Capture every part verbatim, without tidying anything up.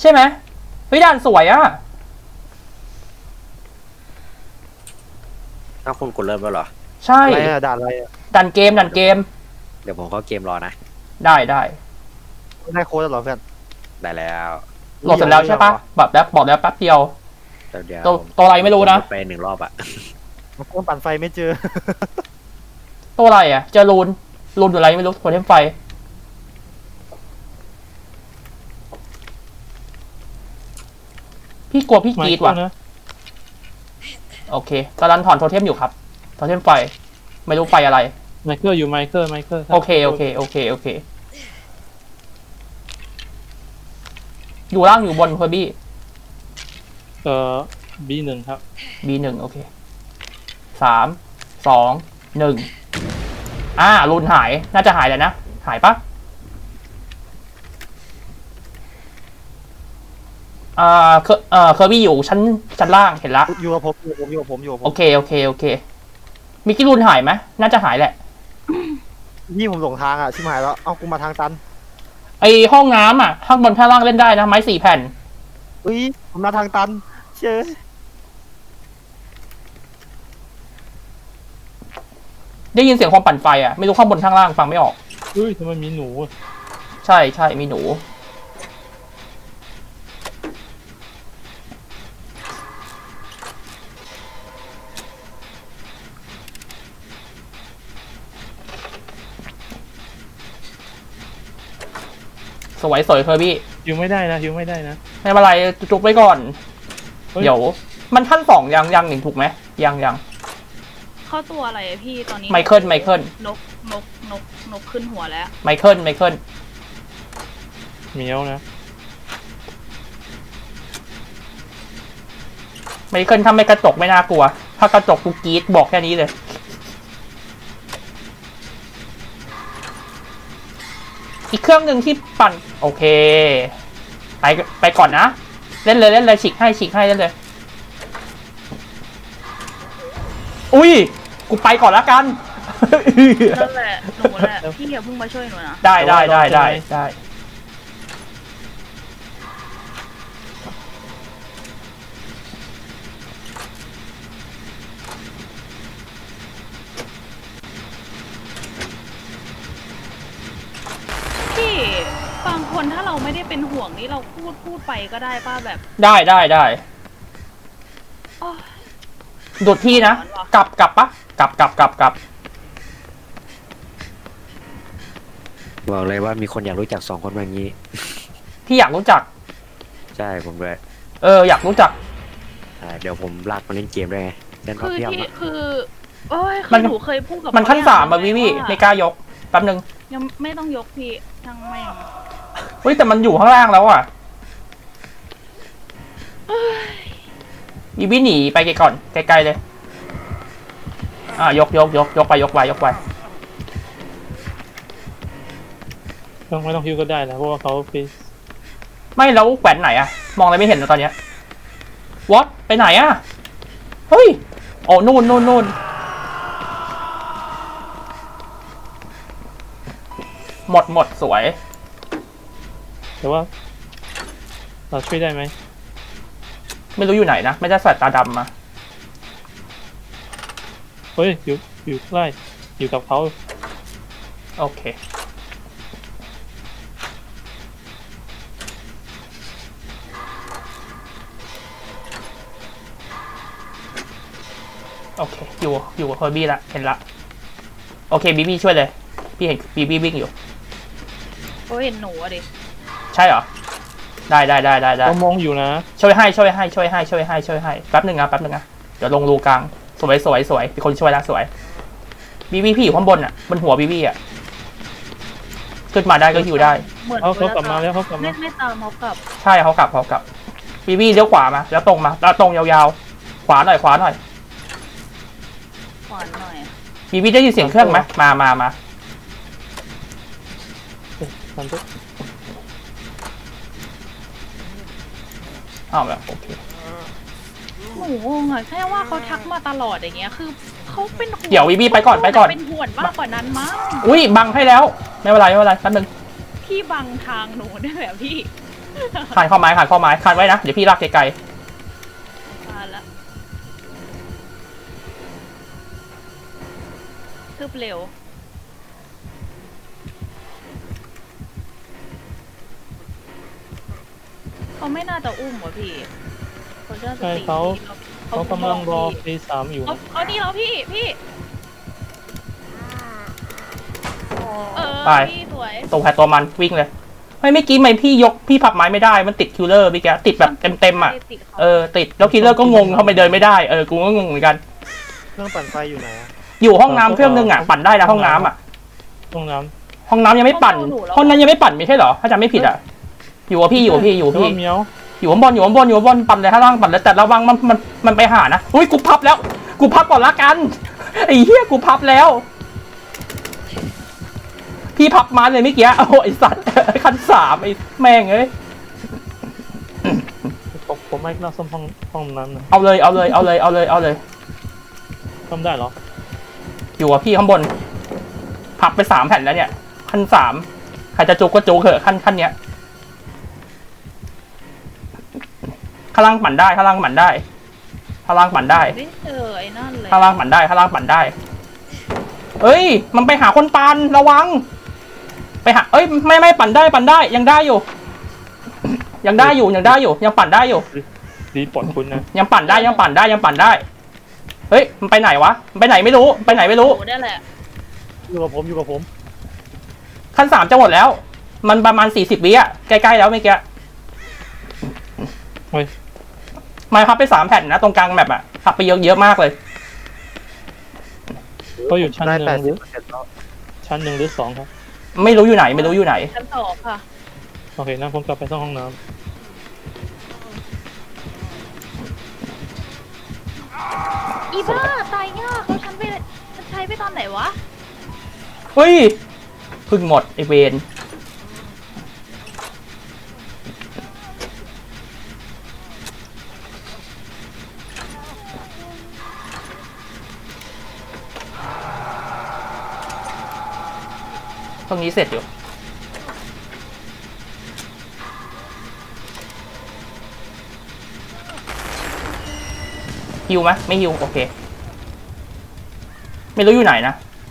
ใช่ไหมเฮ้ยด่านสวยอะถ้าคุณกดเริ่มแล้วเหรอใช่อะไรอะด่านอะไรอะด่านเกมด่านเกมเดี๋ยวผมเข้าเกมรอนะได้ได้ได้โค้ดแล้วเหรอเพื่อนได้แล้วโหลดเสร็จแล้วใช่ปะแบบแล้วบอกแล้วแป๊บเดียวเดี๋ยวเดี๋ยวตัวตัวอะไรไม่รู้นะไปหนึ่งรอบอะมันเครื่องปั่นไฟไม่เจอตัวอะไรอ่ะเจอรูนรูนอยู่อะไรไม่รู้โทเทมไฟพี่กลัวพี่กรีดว่ะโอเคกำลังถอนโทเทมอยู่ครับโทเทมไฟไม่รู้ไฟอะไรไมเคิลอยู่ไมเคิลไมเคิลโอเคโอเคโอเคโอเคอยู่ล่างอยู่บนเพอร์บี้เอ่อบีหนึ่งครับบีหนึ่งโอเคสามสองหนึ่งอ่ารูนหายน่าจะหายแล้วนะหายปะอ่าเคเอ่อเคอร์บี้อยู่ชั้นชั้นล่างเห็นละอยู่กับผมอยู่กับผมอยู่กับผมอยู่กับผโอมเคโอเคโอเคมิกกี้รูนหายไหมน่าจะหายแหละพี่ผมหลงทางอ่ะชิบหายแล้วเอากูมาทางตันไอห้องน้ำอ่ะข้างบนข้างล่างเล่นได้นะไม้สี่แผ่นอุ้ยผมมาทางตันเชื่อได้ยินเสียงความปั่นไฟอ่ะไม่รู้ข้างบนข้างล่างฟังไม่ออกเฮ้ยทำไมมีหนูอะใช่ใช่มีหนูสวยสวยเคอร์บี้ฮิวไม่ได้นะฮิวไม่ได้นะไม่เป็นไรจุกไว้ก่อนเฮ้ยเดี๋ยวมันขั้นสองยังยังหนึ่งถูกไหมยังยังเข้าตัวอะไรอะพี่ตอนนี้ไมเคิลไมเคิลนกนกนกนกขึ้นหัวแล้วไมเคิลไมเคิลเหมียวนะไมเคิลถ้าไม่กระจกไม่น่ากลัว ถ้ากระจกกูกรีดบอกแค่นี้เลยอีกเครื่องหนึ่งที่ปั่นโอเคไปไปก่อนนะเล่นเลยเล่นเลยฉีกให้ฉีกให้เล่นเลยอุ้ยกูไปก่อนแล้วกันนั่นแหละหนูแหละพี่อย่าเพิ่งมาช่วยหนูนะได้ได้ได้ได้ได้พี่บางคนถ้าเราไม่ได้เป็นห่วงนี่เราพูดพูดไปก็ได้ป้าแบบได้ได้ได้อ๋อดูดพี่นะกลับกลับปะกลับกลับกลับกลับบอกเลยว่ามีคนอยากรู้จักสองคนแบบนี้พี่อยากรู้จักใช่ผมด้วยเอออยากรู้จักใช่เดี๋ยวผมลากมาเล่นเกมด้วยไงเล่นพับคือเพียบที่อะคือโอ้ยคืมัอน หนูเคยพูดกับมันขั้นเขสามอะอย่วิงวิว่าไม่กล้ายกแป๊บนึงยังไม่ต้องยกพี่ช่างแม่งเฮ้ยแต่มันอยู่ข้างล่างแล้วอ่ะวิวิหนีไปไกลก่อนไกลๆเลยอ่ายกยกยกยกไปยกไปยกไปต้องไม่ต้องฮิวก็ได้นะเพราะว่าเขาฟีสไม่แล้วแขวนไหนอะมองอะไรไม่เห็นเลยตอนเนี้ยวอตไปไหนอะเฮ้ยโอ้นู่นนู่นนู่นหมดหมดสวยแต่ว่า เราช่วยได้ไหมไม่รู้อยู่ไหนนะไม่ได้ใส่ตาดำมาเฮ้ยอยู่อยู่ใกล้อยู่กับเขาโอเคโอเคอยู่อยู่กับเฮอร์บี้ละเห็นละโอเคบีบี้ช่วยเลยพี่เห็นบีบี้วิ่งอยู่โอ้ยเห็นหนูอะดิใช่เหรอได้ได้ได้ได้ได้เรามองอยู่นะช่วยให้ช่วยให้ช่วยให้ช่วยให้ช่วยให้แป๊บหนึ่งนะแป๊บหนึ่งนะเดี๋ยวลงรูกลางสวยสวยสวยมีคนช่วยแล้วสวยบีบี้พี่อยู่ข้างบนอ่ะบนหัวบีบี้อ่ะขึ้นมาได้ก็หิวได้เหมือนเขาเขากลับมาแล้วเขากลับไม่มาไม่ตามเขากลับใช่เขากลับเขากลับบีบี้เลี้ยวขวามาแล้วตรงมาแล้วตรงยาวๆขวาหน่อยขวาหน่อยขวานหน่อยบีบี้ได้ยินเสียงเครื่องไหมมามามาเอ๊ะทำตัวอ้าวแบบโอเคหนูงงอะแค่ว่าเขาทักมาตลอดอย่างเงี้ยคือเขาเป็นห่วงเดี๋ยวบีบี้ไปก่อนไปก่อนเป็นห่วงมากกว่านั้นมั้งอุ้ยบังให้แล้วไม่เป็นไรไม่เป็นไรแป๊บหนึงพี่บังทางหนูได้แบบพี่ขานข้อไม้ขานข้อไม้ขานไว้นะเดี๋ยวพี่ลากไกลมาละคืบเร็วเขาไม่น่าจะอุ้มวะพี่เขาจะใช่เขาเขากำลังรอเฟสสามอยู่เขาเขานี่แล้วพี่พี่เออพี่สวยๆตัวแพรตัวมันวิ่งเลยไม่เมื่อกี้ทำไมพี่ยกพี่พับไม้ไม่ได้มันติดคิลเลอร์พี่แกติดแบบเต็มๆอ่ะติดเขาเออติดแล้วคิลเลอร์ก็งงเขาไม่เดินไม่ได้เออกูก็งงเหมือนกันเครื่องปั่นไฟอยู่ไหนอะอยู่ห้องน้ำเครื่องนึงอ่ะปั่นได้แล้วห้องน้ำอ่ะห้องน้ห้องน้ำยังไม่ปั่นห้องนั้นยังไม่ปั่นไม่ใช่เหรอถ้าจำไม่ผิดอ่ะอยู่กับพี่อยู่กับพี่อยู่ำกับพี่แต่ว่าเมียวอยู่ข้างบนอยู่ข้างบนอยู่ข้างบนปั่นเลยข้างล่างปั่นเลยแต่ระวังมันมันมันไปหานะอุ้ยกูพับแล้ว กูพับก่อนละกันไอ้เหี้ยกูพับแล้ว พี่พับมาเลยเมื่อกี้โอ้ไอสัตว์คันสามไอ้แม่งเอ้ยผมผมไม่น่าซ่อมห้องห้องนั้นนะเอาเลยเอาเลยเอาเลยเอาเลยเอาเลยซ่อมได้เหรออยู่กับพี่ข้างบน พับไปสามแผ่นแล้วเนี่ยขั้นสามใครจะจุกก็จุกเถอะขั้นขั้นเนี้ยข้างล่างปั่นได้ข้างล่างปั่นได้ข้างล่างปั่นได้ไม่เจอไอ้นั่นเลยข้างล่างปั่นได้ข้างล่างปั่นได้เอ้ย มันไปหาคนปั่นระวัง ไปหาเอ้ยไม่ไม่ปั่นได้ปั่นได้ยังได้อยู่ ยังได้อยู่ยังได้อยู่ ยังปั่นได้อยู่รีปลดคุณนะยังปั่นได้ยังปั่นได้ยังปั่นได้เฮ้ยมันไปไหนวะมันไปไหนไม่รู้ไปไหนไม่รู้โอ้ได้แหละอยู่กับผมอยู่กับผมขั้นสามจะหมดแล้ว มันประมาณสี่สิบวิอะใกล้ๆแล้วเมื่อกี้เฮ้ยมาพับไปสามแผ่นนะตรงกลางแมปอะพับไปเยอะเยอะมากเลยเขาอยู่ชั้นได้หนึ่แปงดหสิรืบอเปอร์เซ็นต์แล้วชั้นหนึ่งหรือสองครับไม่รู้อยู่ไหนไม่รู้อยู่ไหนชั้นสองค่ะโอเคนั่นผมกลับไปซ่อมห้องน้อีบ้าตายยากเขาฉันไปฉันใช้ไปตอนไหนวะเฮ้ยเพึ่งหมดไอเวนตรงนี้เสร็จอยู่ฮิวไหมไม่ฮิวโอเค ไม่รู้อยู่ไหนนะ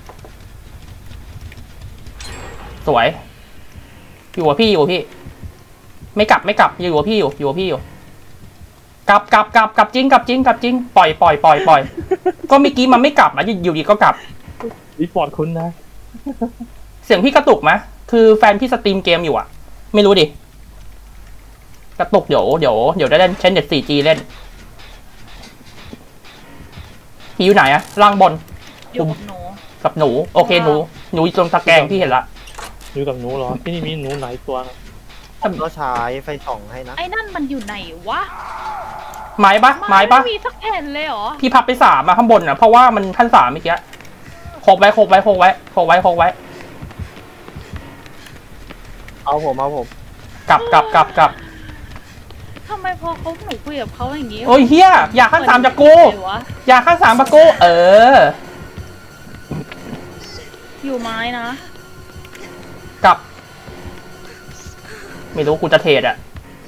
สวย อยู่กับพี่อยู่กับพี่ ไม่กลับไม่กลับอยู่กับพี่อยู่อยู่กับพี่อยู่ กลับกลับกลับกลับจริงกลับจริงกลับจริงปล่อยปล่อยปล่อยปล่อยก็เมื่อกี้มันไม่กลับนะอยู่ดีก็กลับำรีปลดคุณนะเสียงพี่กระตุกไหมคือแฟนพี่สตรีมเกมอยู่อะไม่รู้ดิกระตุกเดี๋ยวเดี๋ยวเดี๋ยวได้เล่นใช้เน็ต โฟร์จี เล่นพี่อยู่ไหนอะล่างบนอยู่กับหนูกับหนูโอเคหนูหนูอยู่ตรงตะแกรงพี่เห็นละอยู่กับหนูเหรอที่นี่มีหนูหลายตัวนะผมก็ใช้ไฟส่องให้นะไอ้นั่นมันอยู่ไหนวะไม้ปะไม้ปะไม่มีสักแผ่นเลยเหรอพี่พับไปสามอะข้างบนอะเพราะว่ามันขั้นสามเมื่อกี้โคกไว้โคกไว้โคกไว้โคกไว้โคกไว้เอาผมเอาผมกลับกลับกลับกลับทำไมพอเขาหนูคุยกับเขาอย่างนี้โอ้ยเฮียอยากขั้นสามจากกูเหมือนอยู่ไหนวะอยากขั้นสามจากกูเอออยู่ไม้นะกลับ ไม่รู้กูจะเทรดอะ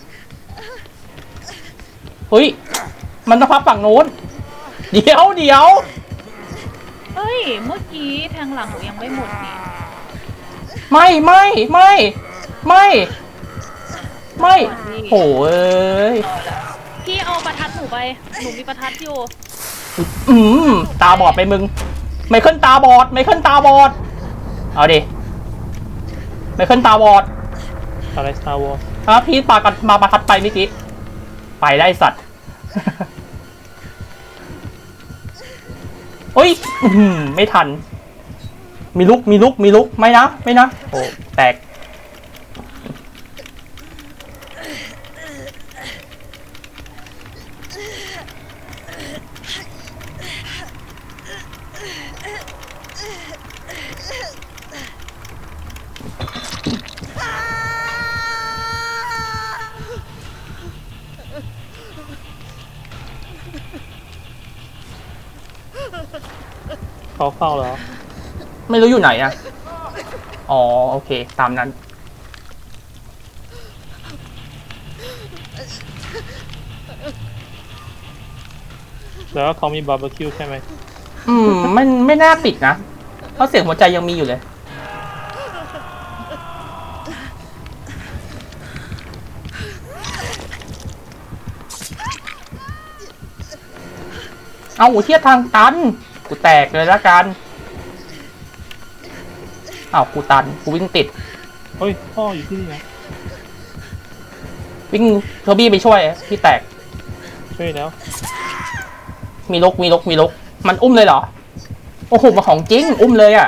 เฮ้ยมันต้องพับฝั่งโน้นเดี๋ยวเดี๋ยวเฮ้ย เมื่อกี้แทงหลังหนูยังไม่หมดนี่ไม่ไม่ไม่ไม่ไม่โหเอ้ยพี่เอาประทัดหนูไป หนูมีประทัดอยู่อืมตาบอดไปมึง ไม่ขึ้นตาบอดไม่ขึ้นตาบอดเอาดิไม่ขึ้นตาบอดอะไร Star Wars อ่ะพี่ปากันมาประทัดไปเมื่อกี้ไปได้สัตว์ เฮ้ยอื้อหือไม่ทัน มีลุกมีลุกมีลุกไม่นะไม่นะโอ้แตกเขาเฝ้าแล้วไม่รู้อยู่ไหนอะอ๋อโอเคตามนั้นแล้วเขามีบาร์บีคิวใช่ไหมอืมมันไม่น่าปิดนะเพราะเสียงหัวใจยังมีอยู่เลยเอาเทียบทางตันกูแตกเลยละกันอ้าวกูตันกูวิ่งติดเฮ้ยพ่ออยู่ที่นี่นะวิ่งเทอร์บี้ไปช่วยพี่แตกช่วยแล้วมีลกมีลกมีลกมันอุ้มเลยเหรอโอ้โหมาของจริงอุ้มเลยอ่ะ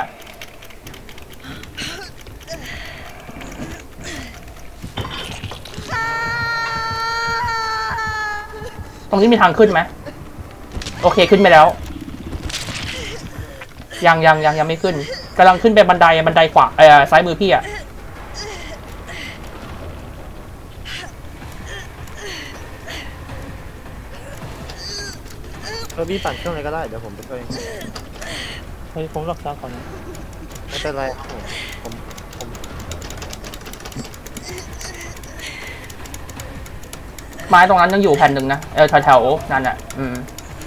ตรงนี้มีทางขึ้นไหมโอเคขึ้นไปแล้วยังยังยังยังไม่ขึ้นกำลังขึ้นไปบันไดบันไดขวาเออซ้ายมือพี่อ่ะเออพี่ปั่นเครื่องอะไรก็ได้เดี๋ยวผมไปช่วยเฮ้ยผมรักษาก่อนนะไม่เป็นไรครับผมผมผมไม้ตรงนั้นยังอยู่แผ่นหนึ่งนะเออแถวๆนั่นอ่ะอืม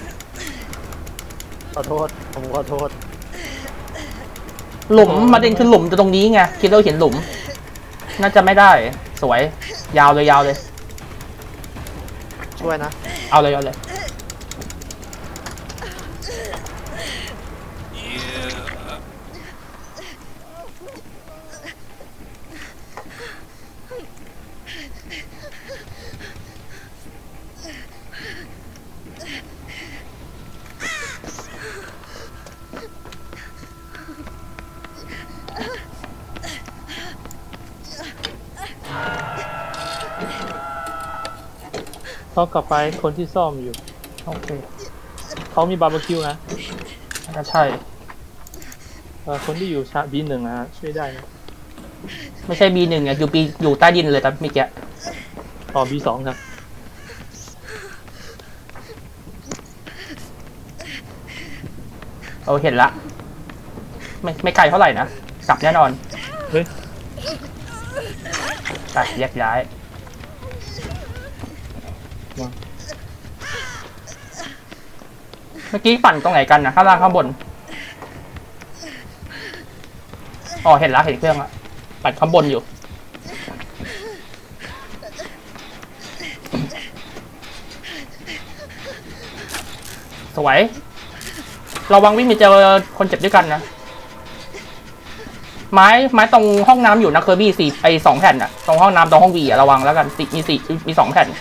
ขอโทษผมขอโทษหลุมประเด็นคือหลุมจะตรงนี้ไงคิดว่าเห็นหลุม น่าจะไม่ได้สวยยาวเลยยาวเลยช่วยนะเอาเลยเอาเลยเขากลับไปคนที่ซ่อมอยู่โอเคเขามีบาร์บีคิวนะน่าจะใช่เออคนที่อยู่ชาบีหนึ่งนะช่วยได้นะไม่ใช่ บี หนึ่งอ่ะอยู่ B อยู่ใต้ดินเลยแต่เมื่อกี้อ๋อบีสองครับเออเห็นละไม่ไม่ไกลเท่าไหร่นะกลับแน่นอนเฮ้ยไปแยกย้ายมาเมื่อกี้ปั่นตรงไหนกันนะข้างล่างข้างบนอ๋อเห็นละเห็นเครื่องละปั่นข้างบนอยู่ สวยระวังวิ่งไปเจอคนเจ็บด้วยกันนะไม้ไม้ตรงห้องน้ำอยู่นะเคอร์บี้สี่ไอสองแผ่นอะตรงห้องน้ำตรงห้องวีอะระวังแล้วกันสี่มีสี่มีสองแผ่น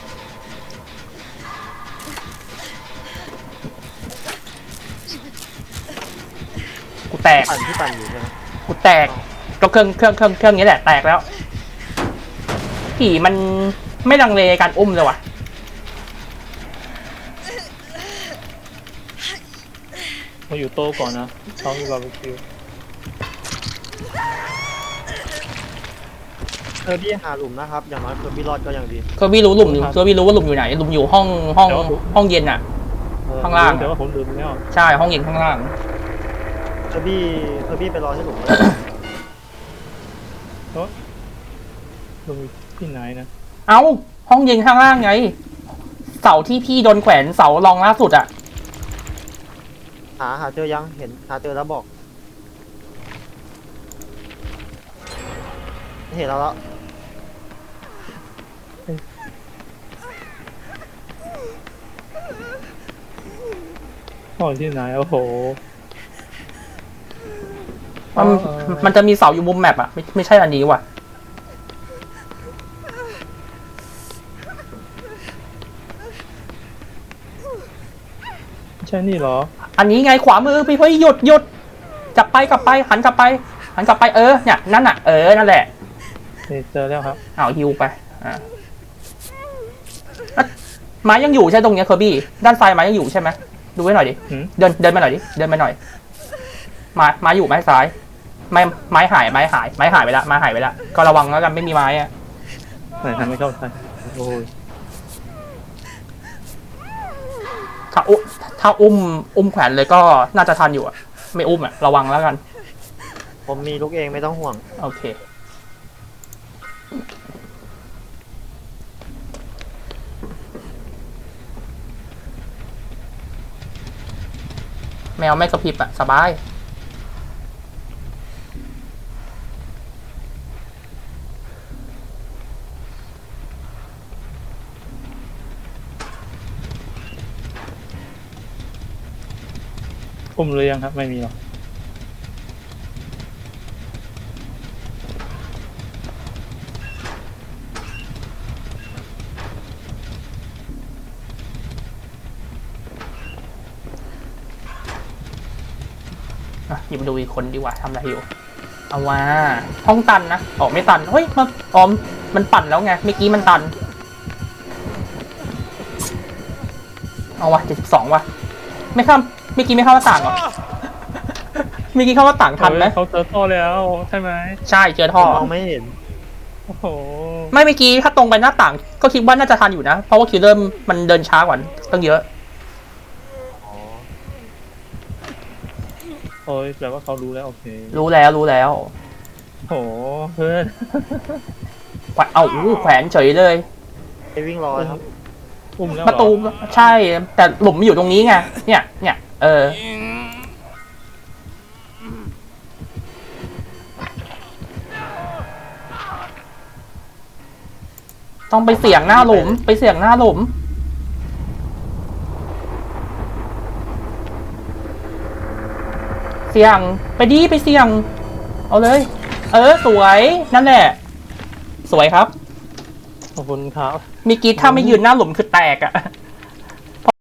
กูแตกปั่นที่ปั่นอยู่ใช่ไหมกูแตกก็เครื่องเครื่องเครื่องเครื่องนี้แหละแตกแล้วผีมันไม่ลังเลการอุ้มเลยว่ะมาอยู่โต๊ะก่อนนะเขามีบาร์บีคิวเออพี่หาหลุมนะครับอย่างน้อยคือพี่รอดก็ยังดีเคอร์บี้รู้หลุมอยู่เคอร์บี้รู้ว่าหลุมอยู่ไหนหลุมอยู่ห้องห้องห้องเย็นอะเออข้างล่างแต่ว่าผมลืมแล้วใช่ห้องเย็นข้างล่างเออพี่เออพี่ไปรอที่หลุมเลยลืมอยู่ที่ไหนนะเอ้าห้องเย็นข้างล่างไงเสาที่พี่โดนแขวนเสารองล่าสุดอะหาหาเจอยังเห็นหาเจอแล้วบอกเห็นแล้วแล้วพ่ออยู่ที่ไหนโอ้โหมันมันจะมีเสาอยู่มุมแมปอะไม่ไม่ใช่อันนี้ว่ะไม่ใช่นี่เหรออันนี้ไงขวามือพี่เฮ้ยหยุดหยุดกลับไปกลับไปหันกลับไปหันกลับไปเออเนี่ยนั่นอะเออนั่นแหละนี่เจอแล้วครับเอาฮิวไปอ่าอ่ะไม้ยังอยู่ใช่ตรงเนี้ยเคอร์บี้ด้านซ้ายไม้ยังอยู่ใช่ไหมดูไว้หน่อยดิหืมเดินเดินมาหน่อยดิเดินมาหน่อยไม้ไม้อยู่ไม้ซ้ายไม้ไม้หายไม้หายไม้หายไปละไม้หายไปละก็ระวังแล้วกันไม่มีไม้อะไหนทำไม่เข้าใจโอ้ยถ้าอุ้มถ้าอุ้มอุ้มแขวนเลยก็น่าจะทันอยู่อะไม่อุ้มอะระวังแล้วกันผมมีลูกเองไม่ต้องห่วงโอเคแมวไม่กระพริบอะสบายอุ้มหรือยังครับไม่มีหรอกอ่ะหยิบมาดูอีกคนดีกว่าทำอะไรอยู่ เอาว่าห้องตันนะออกไม่ตัน เฮ้ยมันออมมันปั่นแล้วไงเมื่อกี้มันตัน เอาวะเจ็ดสิบสองว่ะ ไม่เข้าเมื่อกี้ไม่เข้าหน้าต่างเหรอ เมื่อกี้เข้าหน้าต่างทันไหมเฮ้ยเขาเจอท่อแล้วใช่ไหมใช่เจอท่อมองไม่เห็นโอ้โหไม่เมื่อกี้ถ้าตรงไปหน้าต่าง ก็คิดว่าน่าจะทันอยู่นะ เพราะว่าคิวเริ่มมันเดินช้ากว่าตั้งเยอะอ๋อโอ้ยแปลว่าเขารู้แล้วโอเครู้แล้วรู้แล้วโอ้โหเพื่อนแขวนเอาอู้แขวนเฉยเลยไอวิ่งรอครับอุ้มแล้วปเหรอระตูใช่ แต่หลุมมันอยู่ตรงนี้ไง เนี่ย เนี่ย เออ ต้องไปเสี่ยงหน้าหลุม ไปเสี่ยงหน้าหลุม เสี่ยง ไปดีไปเสี่ยง เอาเลย เออ สวย นั่นแหละ สวยครับขอบคุณครับมีกีถ้าไม่ยืนหน้าหลุมคือแตกอะ